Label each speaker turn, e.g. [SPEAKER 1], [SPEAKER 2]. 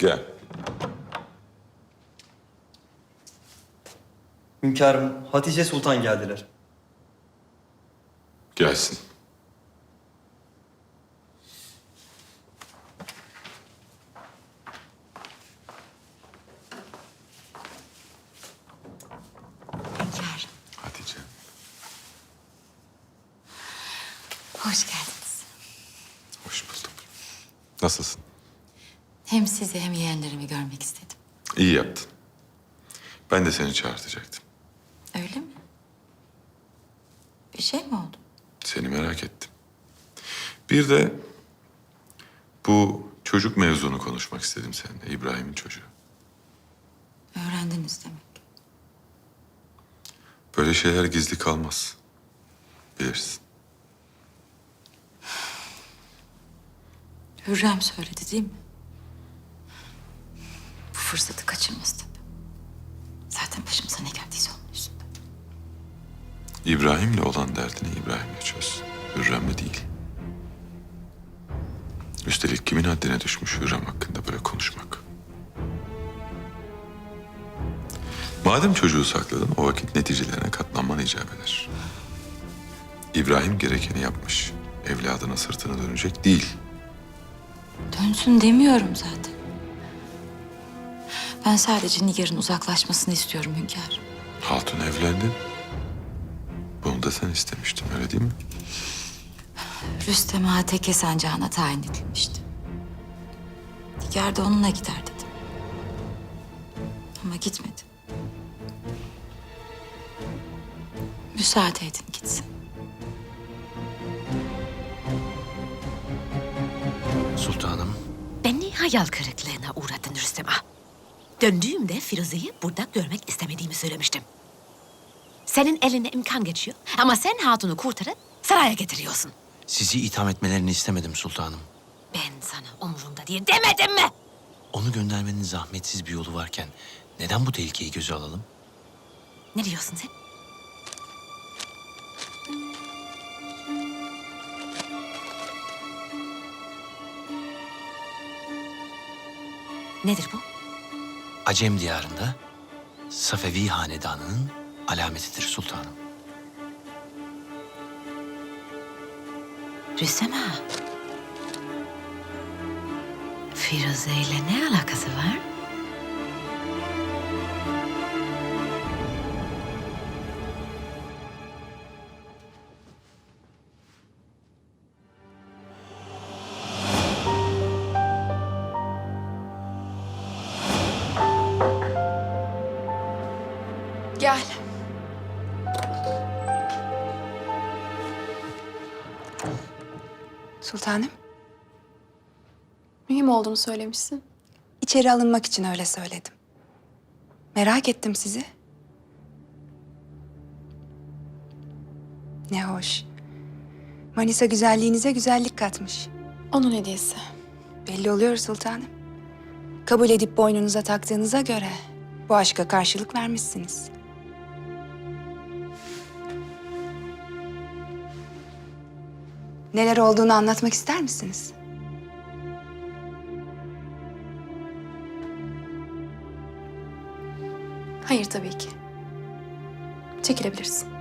[SPEAKER 1] Gel.
[SPEAKER 2] Hünkârım, Hatice Sultan geldiler.
[SPEAKER 1] Gelsin.
[SPEAKER 3] Hünkârım,
[SPEAKER 1] Hatice.
[SPEAKER 3] hoş geldiniz.
[SPEAKER 1] Hoş bulduk. Nasılsın?
[SPEAKER 3] Hem sizi hem yeğenlerimi görmek istedim.
[SPEAKER 1] İyi yaptın. Ben de seni çağırtacaktım.
[SPEAKER 3] Öyle mi? Bir şey mi oldu?
[SPEAKER 1] Seni merak ettim. Bir de bu çocuk mevzunu konuşmak istedim seninle. İbrahim'in çocuğu.
[SPEAKER 3] Öğrendiniz demek.
[SPEAKER 1] Böyle şeyler gizli kalmaz. Bilirsin.
[SPEAKER 3] Hürrem söyledi değil mi? Bu fırsatı kaçırmaz tabii. Zaten başımıza ne geldiyse onun yüzünden.
[SPEAKER 1] İbrahim'le olan derdini İbrahim'le çöz. Hürrem'le değil. Üstelik kimin haddine düşmüş Hürrem hakkında böyle konuşmak? Madem çocuğu sakladın, o vakit neticelerine katlanman icap eder. İbrahim gerekeni yapmış. Evladına sırtını dönecek değil.
[SPEAKER 3] Dönsün demiyorum zaten. Ben sadece Nigar'ın uzaklaşmasını istiyorum hünkârım.
[SPEAKER 1] Hatun evlendi. Bunu da sen istemiştin, öyle değil mi?
[SPEAKER 3] Rüstem Ağa Teke sancağına tayin edilmişti. Nigar da onunla gider dedim. Ama gitmedi. Müsaade edin gitsin.
[SPEAKER 4] Sultanım,
[SPEAKER 5] Beni hayal kırıklığına uğrattın Rüstem Ağa. Döndüğümde Firuze'yi burada görmek istemediğimi söylemiştim. Senin eline imkan geçiyor ama sen hatunu kurtarıp saraya getiriyorsun.
[SPEAKER 4] sizi itham etmelerini istemedim sultanım.
[SPEAKER 5] Ben sana umurumda diye demedim mi?
[SPEAKER 4] Onu göndermenin zahmetsiz bir yolu varken neden bu tehlikeyi göze alalım?
[SPEAKER 5] Ne diyorsun sen? Nedir bu?
[SPEAKER 4] Acem diyarında Safevi hanedanının alametidir sultanım.
[SPEAKER 5] Rüstem Ağa. Firuze ile ne alakası var?
[SPEAKER 6] Gel.
[SPEAKER 7] Sultanım,
[SPEAKER 6] Mühim olduğunu söylemişsin.
[SPEAKER 7] içeri alınmak için öyle söyledim. Merak ettim sizi. Ne hoş. Manisa güzelliğinize güzellik katmış.
[SPEAKER 6] Onun hediyesi.
[SPEAKER 7] Belli oluyor sultanım. Kabul edip boynunuza taktığınıza göre bu aşka karşılık vermişsiniz. Neler olduğunu anlatmak ister misiniz?
[SPEAKER 6] Hayır tabii ki. Çekilebilirsin.